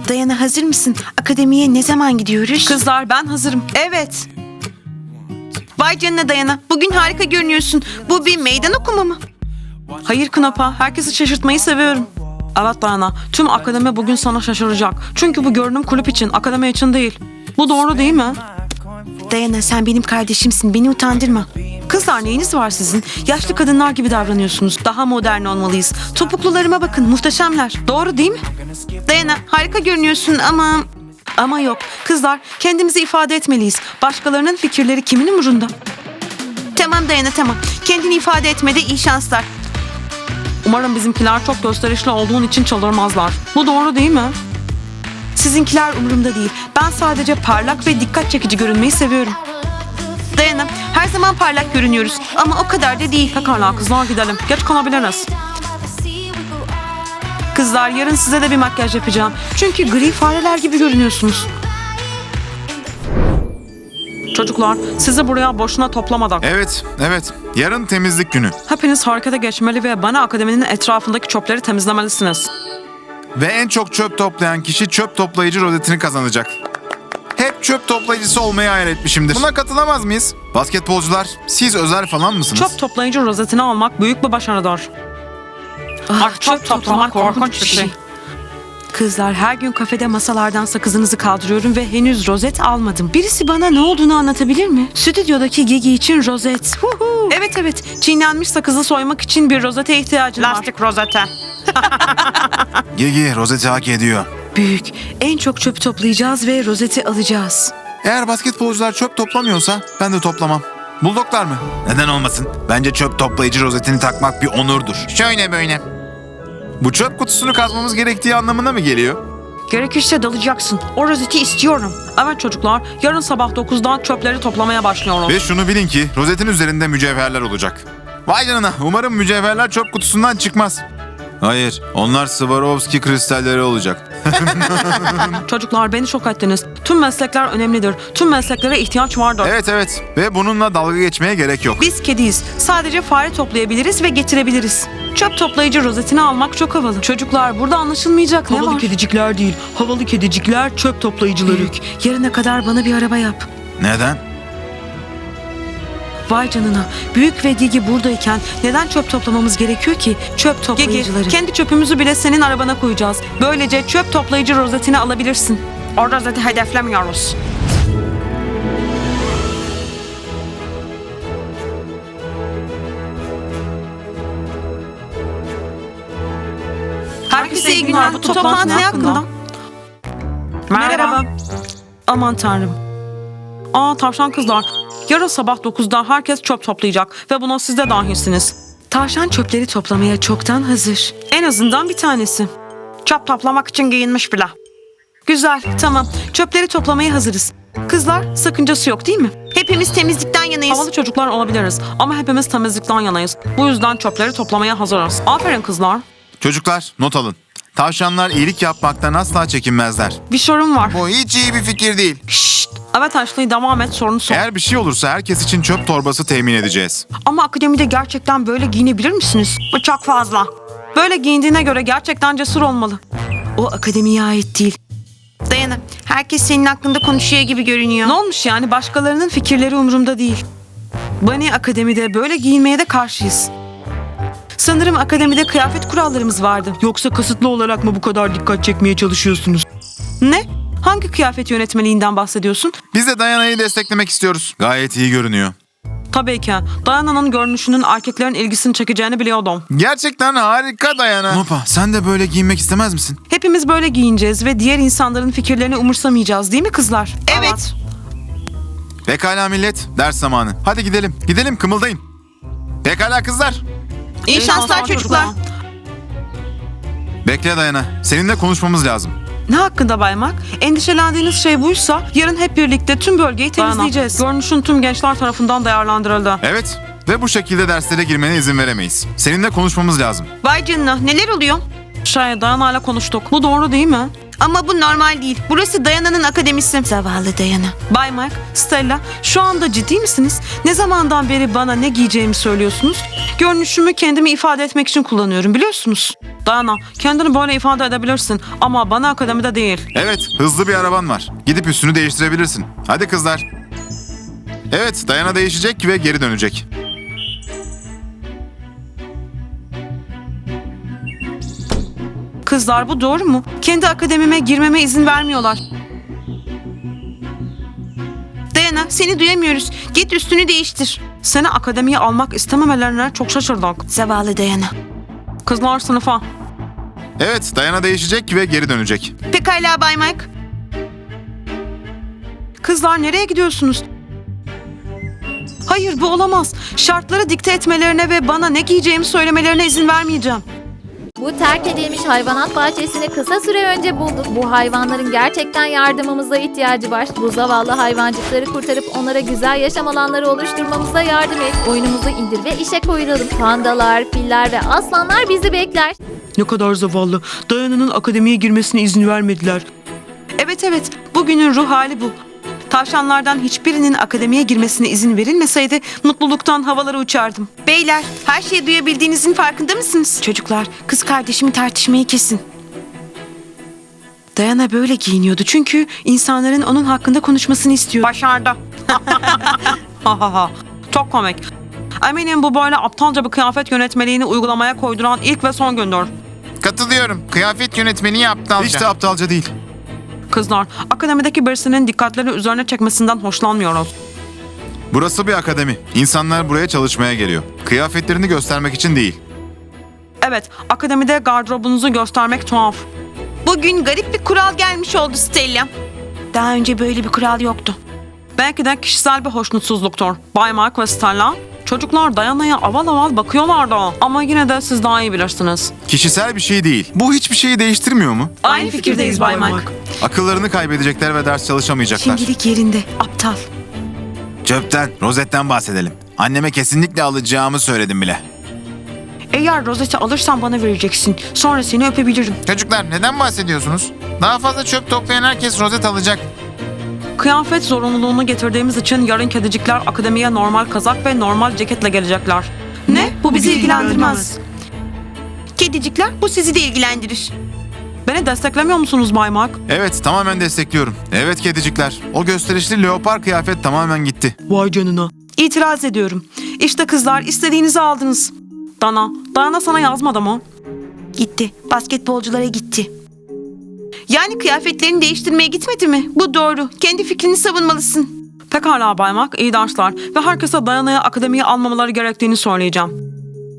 Dayana, hazır mısın? Akademiye ne zaman gidiyoruz? Kızlar, ben hazırım. Evet. Vay canına Dayana. Bugün harika görünüyorsun. Bu bir meydan okuma mı? Hayır Knapa, herkesi şaşırtmayı seviyorum. Evet Dayana, tüm akademi bugün sana şaşıracak. Çünkü bu görünüm kulüp için, akademi için değil. Bu doğru değil mi? Dayana, sen benim kardeşimsin. Beni utandırma. Kızlar, neyiniz var sizin? Yaşlı kadınlar gibi davranıyorsunuz. Daha modern olmalıyız. Topuklularıma bakın, muhteşemler. Doğru değil mi? Dayana, harika görünüyorsun ama... Ama yok. Kızlar, kendimizi ifade etmeliyiz. Başkalarının fikirleri kimin umurunda? Tamam Dayana, tamam. Kendini ifade etmede iyi şanslar. Umarım bizimkiler çok gösterişli olduğun için çıldırmazlar. Bu doğru değil mi? Sizinkiler umurumda değil. Ben sadece parlak ve dikkat çekici görünmeyi seviyorum. Dayana, her zaman parlak görünüyoruz ama o kadar da değil. Pekala kızlar, gidelim. Geç kalabiliriz. Kızlar, yarın size de bir makyaj yapacağım. Çünkü gri fareler gibi görünüyorsunuz. Çocuklar, sizi buraya boşuna toplamadık. Evet. Yarın temizlik günü. Hepiniz harekete geçmeli ve bana akademinin etrafındaki çöpleri temizlemelisiniz. Ve en çok çöp toplayan kişi çöp toplayıcı rozetini kazanacak. Hep çöp toplayıcısı olmayı hayal etmişimdir. Buna katılamaz mıyız? Basketbolcular, siz özel falan mısınız? Çöp toplayıcı rozetini almak büyük bir başarıdır. Çöp toplamak korkunç bir şey. Kızlar, her gün kafede masalardan sakızınızı kaldırıyorum ve henüz rozet almadım. Birisi bana ne olduğunu anlatabilir mi? Stüdyodaki Gigi için rozet. Huhu. Evet. Çiğnenmiş sakızı soymak için bir rozete ihtiyacın var. Lastik rozete. Gigi rozeti hak ediyor. Büyük. En çok çöp toplayacağız ve rozeti alacağız. Eğer basketbolcular çöp toplamıyorsa ben de toplamam. Buldoklar mı? Neden olmasın? Bence çöp toplayıcı rozetini takmak bir onurdur. Şöyle böyle. Bu çöp kutusunu kazmamız gerektiği anlamına mı geliyor? Gerekirse dalacaksın. O rozeti istiyorum. Evet çocuklar, yarın sabah 9'da çöpleri toplamaya başlıyoruz. Ve şunu bilin ki rozetin üzerinde mücevherler olacak. Vay canına, umarım mücevherler çöp kutusundan çıkmaz. Hayır, onlar Swarovski kristalleri olacak. Çocuklar, beni şok ettiniz. Tüm meslekler önemlidir. Tüm mesleklere ihtiyaç vardır. Evet ve bununla dalga geçmeye gerek yok. Biz kediyiz. Sadece fare toplayabiliriz ve getirebiliriz. Çöp toplayıcı rozetini almak çok havalı. Çocuklar, burada anlaşılmayacak ne Havalı var? kedicikler değil. Havalı kedicikler çöp toplayıcıları. Büyük. Yarına kadar bana bir araba yap. Neden? Vay canına. Büyük ve Gigi buradayken neden çöp toplamamız gerekiyor ki? Çöp toplayıcıları. Gigi, kendi çöpümüzü bile senin arabana koyacağız. Böylece çöp toplayıcı rozetini alabilirsin. O rozeti hedeflemiyoruz. Herkese iyi günler. Bu toplantı ne hakkında? Merhaba. Aman tanrım. Tavşan kızlar. Yarın sabah 9'da herkes çöp toplayacak ve buna siz de dahilsiniz. Tavşan çöpleri toplamaya çoktan hazır. En azından bir tanesi. Çöp toplamak için giyinmiş bile. Güzel, tamam. Çöpleri toplamaya hazırız. Kızlar, sakıncası yok değil mi? Hepimiz temizlikten yanayız. Havalı çocuklar olabiliriz ama hepimiz temizlikten yanayız. Bu yüzden çöpleri toplamaya hazırız. Aferin kızlar. Çocuklar not alın. Tavşanlar iyilik yapmaktan asla çekinmezler. Bir sorun var. Bu hiç iyi bir fikir değil. Şşt. Evet Ashley, devam et, sorunu sor. Eğer bir şey olursa herkes için çöp torbası temin edeceğiz. Ama akademide gerçekten böyle giyinebilir misiniz? Bu çok fazla. Böyle giyindiğine göre gerçekten cesur olmalı. O akademiye ait değil. Dayana, herkes senin hakkında konuşuyor gibi görünüyor. Ne olmuş yani, başkalarının fikirleri umurumda değil. Bunny akademide böyle giyinmeye de karşıyız. Sanırım akademide kıyafet kurallarımız vardı. Yoksa kasıtlı olarak mı bu kadar dikkat çekmeye çalışıyorsunuz? Ne? Hangi kıyafet yönetmeliğinden bahsediyorsun? Biz de Dayana'yı desteklemek istiyoruz. Gayet iyi görünüyor. Tabii ki. Diana'nın görünüşünün erkeklerin ilgisini çekeceğini biliyordum. Gerçekten harika Dayana. Nopa, sen de böyle giyinmek istemez misin? Hepimiz böyle giyineceğiz ve diğer insanların fikirlerini umursamayacağız, değil mi kızlar? Evet. Pekala millet, ders zamanı. Hadi gidelim. Gidelim, kımıldayın. Pekala kızlar. İyi şanslar çocuklar. Bekle Dayana. Seninle konuşmamız lazım. Ne hakkında Baymak? Endişelendiğiniz şey buysa yarın hep birlikte tüm bölgeyi temizleyeceğiz. Görünüşün tüm gençler tarafından değerlendirildi. Evet. Ve bu şekilde derslere girmene izin veremeyiz. Seninle konuşmamız lazım. Vay canına, neler oluyor? Diana ile konuştuk. Bu doğru değil mi? Ama bu normal değil. Burası Dayana'nın akademisi. Zavallı Dayana. Bay Mike, Stella, şu anda ciddi misiniz? Ne zamandan beri bana ne giyeceğimi söylüyorsunuz? Görünüşümü kendimi ifade etmek için kullanıyorum, biliyorsunuz. Dayana, kendini böyle ifade edebilirsin ama bana akademide değil. Evet, hızlı bir araban var. Gidip üstünü değiştirebilirsin. Hadi kızlar. Evet, Dayana değişecek ve geri dönecek. Kızlar, bu doğru mu? Kendi akademime girmeme izin vermiyorlar. Dayana, seni duyamıyoruz. Git üstünü değiştir. Seni akademiye almak istememelerine çok şaşırdık. Zavallı Dayana. Kızlar sınıfa. Evet, Dayana değişecek ve geri dönecek. Pekala Bay Mike. Kızlar nereye gidiyorsunuz? Hayır, bu olamaz. Şartları dikte etmelerine ve bana ne giyeceğimi söylemelerine izin vermeyeceğim. Bu terk edilmiş hayvanat bahçesini kısa süre önce bulduk. Bu hayvanların gerçekten yardımımıza ihtiyacı var. Bu zavallı hayvancıkları kurtarıp onlara güzel yaşam alanları oluşturmamıza yardım et. Oyunumuzu indir ve işe koyulalım. Pandalar, filler ve aslanlar bizi bekler. Ne kadar zavallı. Dayana'nın akademiye girmesine izin vermediler. Evet, bugünün ruh hali bu. Tavşanlardan hiçbirinin akademiye girmesine izin verilmeseydi mutluluktan havalara uçardım. Beyler, her şeyi duyabildiğinizin farkında mısınız? Çocuklar, kız kardeşimi tartışmayı kesin. Dayana böyle giyiniyordu çünkü insanların onun hakkında konuşmasını istiyordu. Başardı. Çok komik. Eminim bu böyle aptalca bir kıyafet yönetmeliğini uygulamaya koyduran ilk ve son gündür. Katılıyorum. Kıyafet yönetmeni aptalca. Hiç de aptalca değil. Kızlar, akademideki birisinin dikkatleri üzerine çekmesinden hoşlanmıyoruz. Burası bir akademi. İnsanlar buraya çalışmaya geliyor. Kıyafetlerini göstermek için değil. Evet, akademide gardırobunuzu göstermek tuhaf. Bugün garip bir kural gelmiş oldu Stella. Daha önce böyle bir kural yoktu. Belki de kişisel bir hoşnutsuzluktur. Bay Mark ve Stella, çocuklar Dayana'ya aval aval bakıyorlardı. Ama yine de siz daha iyi bilirsiniz. Kişisel bir şey değil. Bu hiçbir şeyi değiştirmiyor mu? Aynı fikirdeyiz Bay Mark. Akıllarını kaybedecekler ve ders çalışamayacaklar. Şimdilik yerinde, aptal. Çöpten, rozetten bahsedelim. Anneme kesinlikle alacağımı söyledim bile. Eğer rozeti alırsan bana vereceksin. Sonra seni öpebilirim. Çocuklar neden bahsediyorsunuz? Daha fazla çöp toplayan herkes rozet alacak. Kıyafet zorunluluğunu getirdiğimiz için yarın kedicikler akademiye normal kazak ve normal ceketle gelecekler. Ne? Bu bizi ilgilendirmez. Kedicikler, bu sizi de ilgilendirir. Beni desteklemiyor musunuz Bay Mark? Evet, tamamen destekliyorum. Evet kedicikler. O gösterişli leopar kıyafet tamamen gitti. Vay canına. İtiraz ediyorum. İşte kızlar, istediğinizi aldınız. Dana sana yazmadı mı? Gitti. Basketbolculara gitti. Yani kıyafetlerini değiştirmeye gitmedi mi? Bu doğru. Kendi fikrini savunmalısın. Pekala Bay Mark, iyi dersler. Ve herkese Dayana'ya akademiye almamaları gerektiğini söyleyeceğim.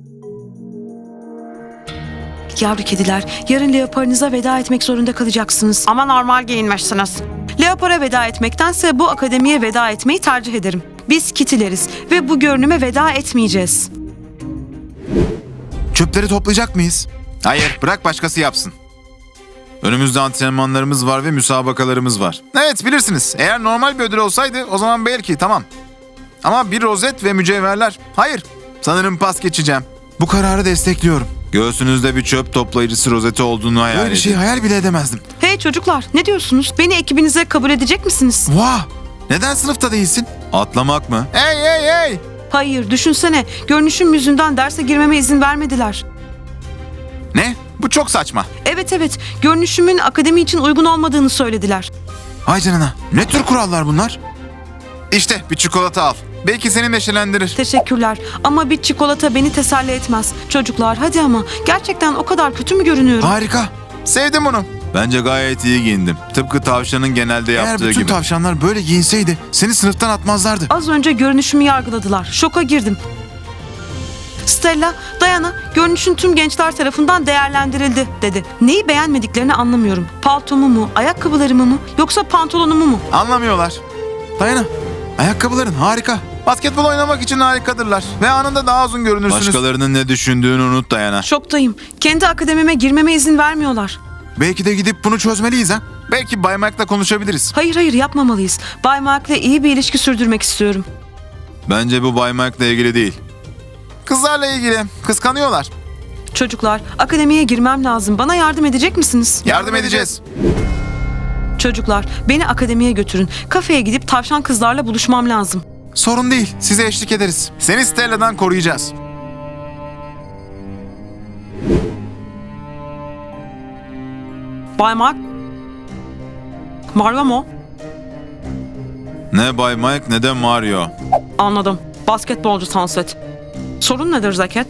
Yavru kediler, yarın leoparınıza veda etmek zorunda kalacaksınız. Ama normal giyinmişsiniz. Leopara veda etmektense bu akademiye veda etmeyi tercih ederim. Biz kitileriz ve bu görünüme veda etmeyeceğiz. Çöpleri toplayacak mıyız? Hayır, bırak başkası yapsın. Önümüzde antrenmanlarımız var ve müsabakalarımız var. Evet, bilirsiniz. Eğer normal bir ödül olsaydı o zaman belki tamam. Ama bir rozet ve mücevherler. Hayır, sanırım pas geçeceğim. Bu kararı destekliyorum. Göğsünüzde bir çöp toplayıcısı rozeti olduğunu hayal edin. Böyle bir şey hayal bile edemezdim. Hey çocuklar, ne diyorsunuz? Beni ekibinize kabul edecek misiniz? Vah! Neden sınıfta değilsin? Atlamak mı? Hey! Hayır, düşünsene. Görünüşüm yüzünden derse girmeme izin vermediler. Ne? Bu çok saçma. Evet, görünüşümün akademi için uygun olmadığını söylediler. Vay canına. Ne tür kurallar bunlar? İşte bir çikolata al. Belki seni neşelendirir. Teşekkürler ama bir çikolata beni teselli etmez. Çocuklar hadi ama gerçekten o kadar kötü mü görünüyorum? Harika. Sevdim bunu. Bence gayet iyi giyindim. Tıpkı tavşanın genelde yaptığı gibi. Eğer bütün tavşanlar böyle giyinseydi seni sınıftan atmazlardı. Az önce görünüşümü yargıladılar. Şoka girdim. Stella, Dayana, görünüşün tüm gençler tarafından değerlendirildi dedi. Neyi beğenmediklerini anlamıyorum. Paltomu mu, ayakkabılarımı mı yoksa pantolonumu mu? Anlamıyorlar. Dayana, ayakkabıların harika. Basketbol oynamak için harikadırlar. Ve anında daha uzun görünürsünüz. Başkalarının ne düşündüğünü unut Dayana. Şoktayım. Kendi akademime girmeme izin vermiyorlar. Belki de gidip bunu çözmeliyiz ha. Belki Bay Mark'la konuşabiliriz. Hayır yapmamalıyız. Bay Mark'la iyi bir ilişki sürdürmek istiyorum. Bence bu Bay Mark'la ilgili değil. Kızlarla ilgili. Kıskanıyorlar. Çocuklar, akademiye girmem lazım. Bana yardım edecek misiniz? Yardım edeceğiz. Çocuklar, beni akademiye götürün. Kafeye gidip tavşan kızlarla buluşmam lazım. Sorun değil. Size eşlik ederiz. Seni Stella'dan koruyacağız. Bay Mark. Mario mu? Ne Bay Mike ne de Mario. Anladım. Basketbolcu Sunset. Sorun nedir Zeket?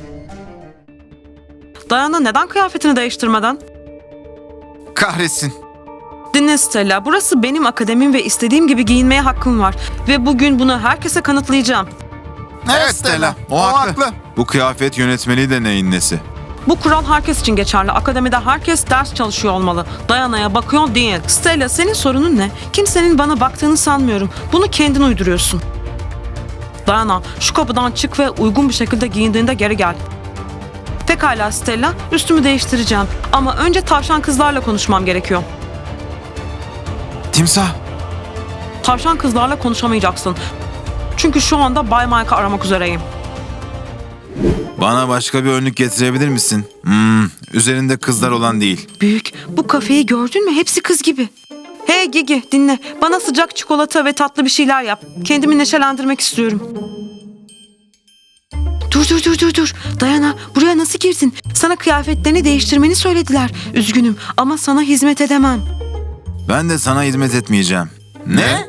Dayana neden kıyafetini değiştirmeden? Kahretsin. Dinle Stella, burası benim akademim ve istediğim gibi giyinmeye hakkım var. Ve bugün bunu herkese kanıtlayacağım. Evet Stella. O haklı. Bu kıyafet yönetmeliği de neyin nesi? Bu kural herkes için geçerli. Akademide herkes ders çalışıyor olmalı. Dayana'ya bakıyor değil. Stella, senin sorunun ne? Kimsenin bana baktığını sanmıyorum. Bunu kendin uyduruyorsun. Dayana, şu kapıdan çık ve uygun bir şekilde giyindiğinde geri gel. Pekala Stella, üstümü değiştireceğim. Ama önce tavşan kızlarla konuşmam gerekiyor. Timsah. Tavşan kızlarla konuşamayacaksın. Çünkü şu anda Bay Mike'ı aramak üzereyim. Bana başka bir önlük getirebilir misin? Üzerinde kızlar olan değil. Büyük, bu kafeyi gördün mü? Hepsi kız gibi. Hey Gigi, dinle. Bana sıcak çikolata ve tatlı bir şeyler yap. Kendimi neşelendirmek istiyorum. Dur. Dayana, buraya nasıl girdin? Sana kıyafetlerini değiştirmeni söylediler. Üzgünüm ama sana hizmet edemem. Ben de sana hizmet etmeyeceğim. Ne?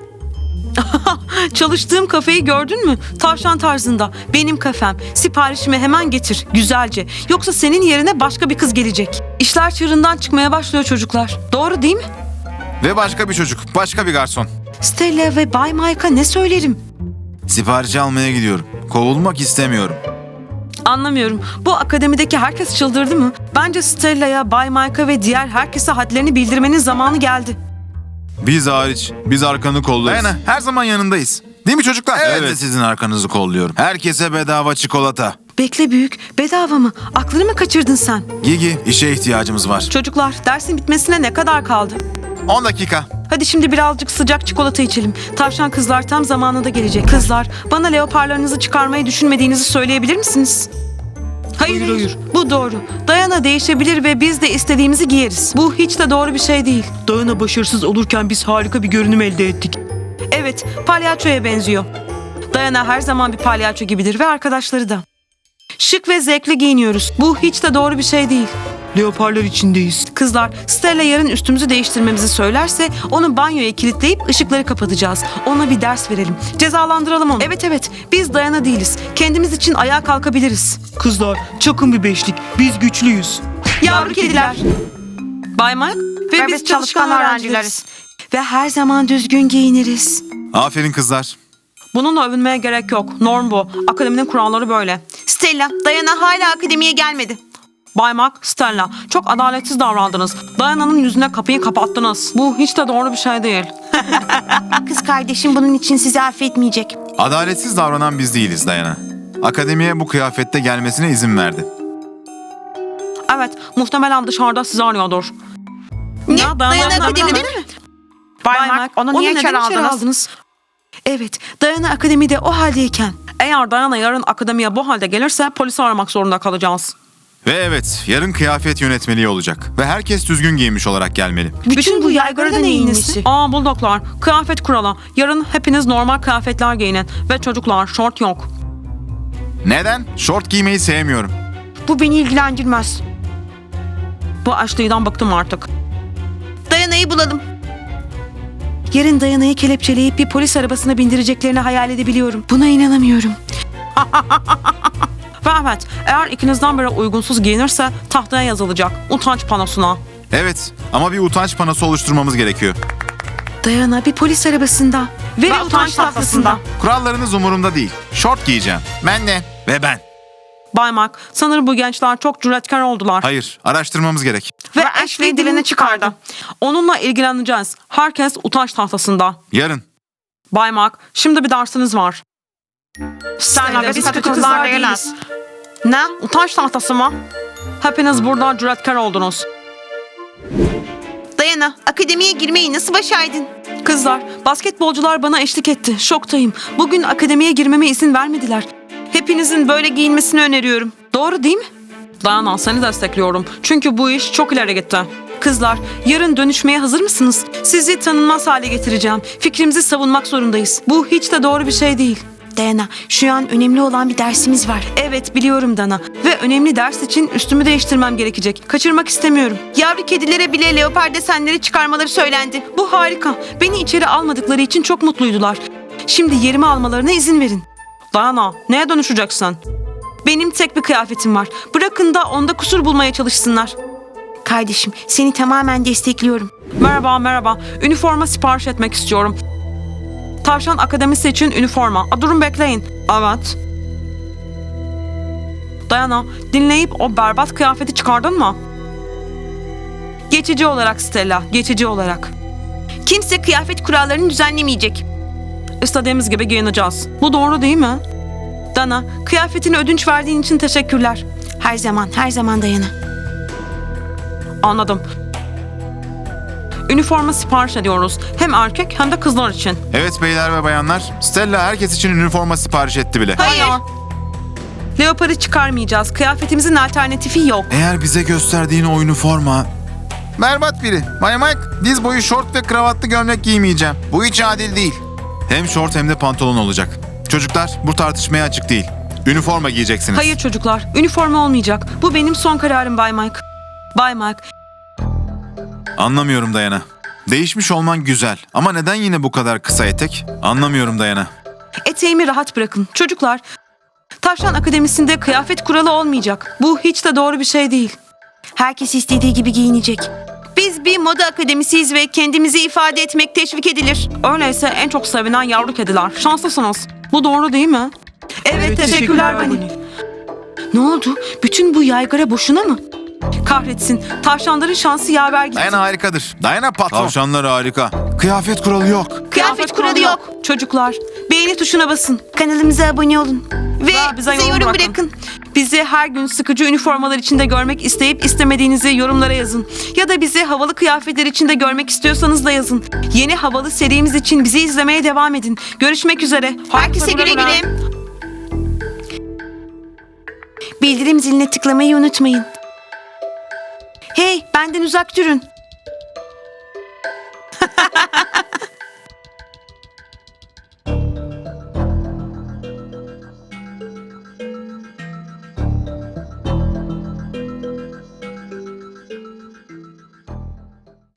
Çalıştığım kafeyi gördün mü? Tavşan tarzında. Benim kafem. Siparişimi hemen getir. Güzelce. Yoksa senin yerine başka bir kız gelecek. İşler çığırından çıkmaya başlıyor çocuklar. Doğru değil mi? Ve başka bir çocuk, başka bir garson. Stella ve Bay Mike'a ne söylerim? Siparişi almaya gidiyorum. Kovulmak istemiyorum. Anlamıyorum. Bu akademideki herkes çıldırdı mı? Bence Stella'ya, Bay Mike'a ve diğer herkese hadlerini bildirmenin zamanı geldi. Biz hariç, biz arkanı kollarız. Dayana, her zaman yanındayız. Değil mi çocuklar? Evet, sizin arkanızı kolluyorum. Herkese bedava çikolata. Bekle büyük, bedava mı? Aklını mı kaçırdın sen? Gigi, işe ihtiyacımız var. Çocuklar, dersin bitmesine ne kadar kaldı? 10 dakika. Hadi şimdi birazcık sıcak çikolata içelim. Tavşan kızlar tam zamanında gelecek. Kızlar, bana leoparlarınızı çıkarmayı düşünmediğinizi söyleyebilir misiniz? Hayır. Bu doğru. Dayana değişebilir ve biz de istediğimizi giyeriz. Bu hiç de doğru bir şey değil. Dayana başarısız olurken biz harika bir görünüm elde ettik. Evet, palyaçoya benziyor. Dayana her zaman bir palyaço gibidir ve arkadaşları da. Şık ve zevkli giyiniyoruz. Bu hiç de doğru bir şey değil. Leoparlar içindeyiz. Kızlar, Stella yarın üstümüzü değiştirmemizi söylerse onu banyoya kilitleyip ışıkları kapatacağız. Ona bir ders verelim. Cezalandıralım onu. Evet, biz Dayana değiliz. Kendimiz için ayağa kalkabiliriz. Kızlar, çakın bir beşlik. Biz güçlüyüz. Yavru kediler. Bay Mike ve biz çalışkan öğrencileriz. Ve her zaman düzgün giyiniriz. Aferin kızlar. Bununla övünmeye gerek yok. Norm bu. Akademinin kuralları böyle. Stella, Dayana hala akademiye gelmedi. Bay Mark, Stella, çok adaletsiz davrandınız. Dayana'nın yüzüne kapıyı kapattınız. Bu hiç de doğru bir şey değil. Kız kardeşim bunun için sizi affetmeyecek. Adaletsiz davranan biz değiliz Dayana. Akademiye bu kıyafette gelmesine izin verdi. Evet, muhtemelen dışarıda sizi arıyordur. Ya, Dayana akademide mi? Bay Mark, onu niye içeri aldınız? Evet, Dayana akademide o haldeyken. Eğer Dayana yarın akademiye bu halde gelirse polisi aramak zorunda kalacağız. Ve evet, yarın kıyafet yönetmeliği olacak. Ve herkes düzgün giyinmiş olarak gelmeli. Bütün bu yaygara da neyin nesi? Buldoklar, kıyafet kuralı. Yarın hepiniz normal kıyafetler giyinin. Ve çocuklar, şort yok. Neden? Şort giymeyi sevmiyorum. Bu beni ilgilendirmez. Bu Ashley'den bıktım artık. Dayana'yı bulalım. Yarın Dayana'yı kelepçeleyip bir polis arabasına bindireceklerini hayal edebiliyorum. Buna inanamıyorum. Ve evet, eğer ikinizden biri uygunsuz giyinirse tahtaya yazılacak. Utanç panosuna. Evet, ama bir utanç panosu oluşturmamız gerekiyor. Dayana bir polis arabasında. Ve utanç tahtasında. Kurallarınız umurumda değil. Şort giyeceğim. Ben de. Ve ben. Bay Mark, sanırım bu gençler çok cüretkar oldular. Hayır, araştırmamız gerek. Ve Ashley dilini çıkardı. Onunla ilgileneceğiz. Herkes utanç tahtasında. Yarın. Bay Mark, şimdi bir dersiniz var. Stella, Biz biz kötü kötü kızlar kızlar değiliz. Ne? Utanç tahtası mı? Hepiniz burada cüretkar oldunuz. Dayana, akademiye girmeyi nasıl başardın? Kızlar, basketbolcular bana eşlik etti. Şoktayım. Bugün akademiye girmeme izin vermediler. Hepinizin böyle giyinmesini öneriyorum. Doğru değil mi? Dayana, seni destekliyorum. Çünkü bu iş çok ileri gitti. Kızlar, yarın dönüşmeye hazır mısınız? Sizi tanınmaz hale getireceğim. Fikrimizi savunmak zorundayız. Bu hiç de doğru bir şey değil. Dayana, şu an önemli olan bir dersimiz var. Evet, biliyorum Dana. Ve önemli ders için üstümü değiştirmem gerekecek. Kaçırmak istemiyorum. Yavru kedilere bile leopar desenleri çıkarmaları söylendi. Bu harika. Beni içeri almadıkları için çok mutluydular. Şimdi yerimi almalarına izin verin. Dayana, neye dönüşeceksin? Benim tek bir kıyafetim var. Bırakın da onda kusur bulmaya çalışsınlar. Kardeşim, seni tamamen destekliyorum. Merhaba. Üniforma sipariş etmek istiyorum. Tavşan Akademisi için üniforma. Durun bekleyin. Evet. Dayana, dinleyip o berbat kıyafeti çıkardın mı? Geçici olarak Stella, geçici olarak. Kimse kıyafet kurallarını düzenlemeyecek. İstediğimiz gibi giyineceğiz. Bu doğru değil mi? Dana, kıyafetini ödünç verdiğin için teşekkürler. Her zaman Dayana. Anladım. Üniforma sipariş ediyoruz. Hem erkek hem de kızlar için. Evet beyler ve bayanlar, Stella herkes için üniforma sipariş etti bile. Hayır. Leopar'ı çıkarmayacağız. Kıyafetimizin alternatifi yok. Eğer bize gösterdiğin o üniforma... Berbat biri. Bay Mike, diz boyu şort ve kravatlı gömlek giymeyeceğim. Bu hiç adil değil. Hem şort hem de pantolon olacak. Çocuklar, bu tartışmaya açık değil. Üniforma giyeceksiniz. Hayır çocuklar, üniforma olmayacak. Bu benim son kararım Bay Mike. Bay Mike, Anlamıyorum Dayana. Değişmiş olman güzel ama neden yine bu kadar kısa etek? Anlamıyorum Dayana. eteğimi rahat bırakın. Çocuklar, Tavşan Akademisi'nde kıyafet kuralı olmayacak. Bu hiç de doğru bir şey değil. Herkes istediği gibi giyinecek. Biz bir moda akademisiyiz ve kendimizi ifade etmek teşvik edilir. Öyleyse en çok sevilen yavru kediler. Şanslısınız. Bu doğru değil mi? Evet, teşekkürler Bunny. Ne oldu? Bütün bu yaygara boşuna mı? Kahretsin. Tavşanların şansı yaver gitti. Dayana harikadır. Dayana patron. Tavşanlar harika. Kıyafet kuralı yok. Kıyafet kuralı yok. Çocuklar, beğeni tuşuna basın. Kanalımıza abone olun. Ve bize yorum bırakın. Bizi her gün sıkıcı üniformalar içinde görmek isteyip istemediğinizi yorumlara yazın. Ya da bizi havalı kıyafetler içinde görmek istiyorsanız da yazın. Yeni havalı serimiz için bizi izlemeye devam edin. Görüşmek üzere. Herkese güle güle. Bildirim ziline tıklamayı unutmayın. Hey, benden uzak durun.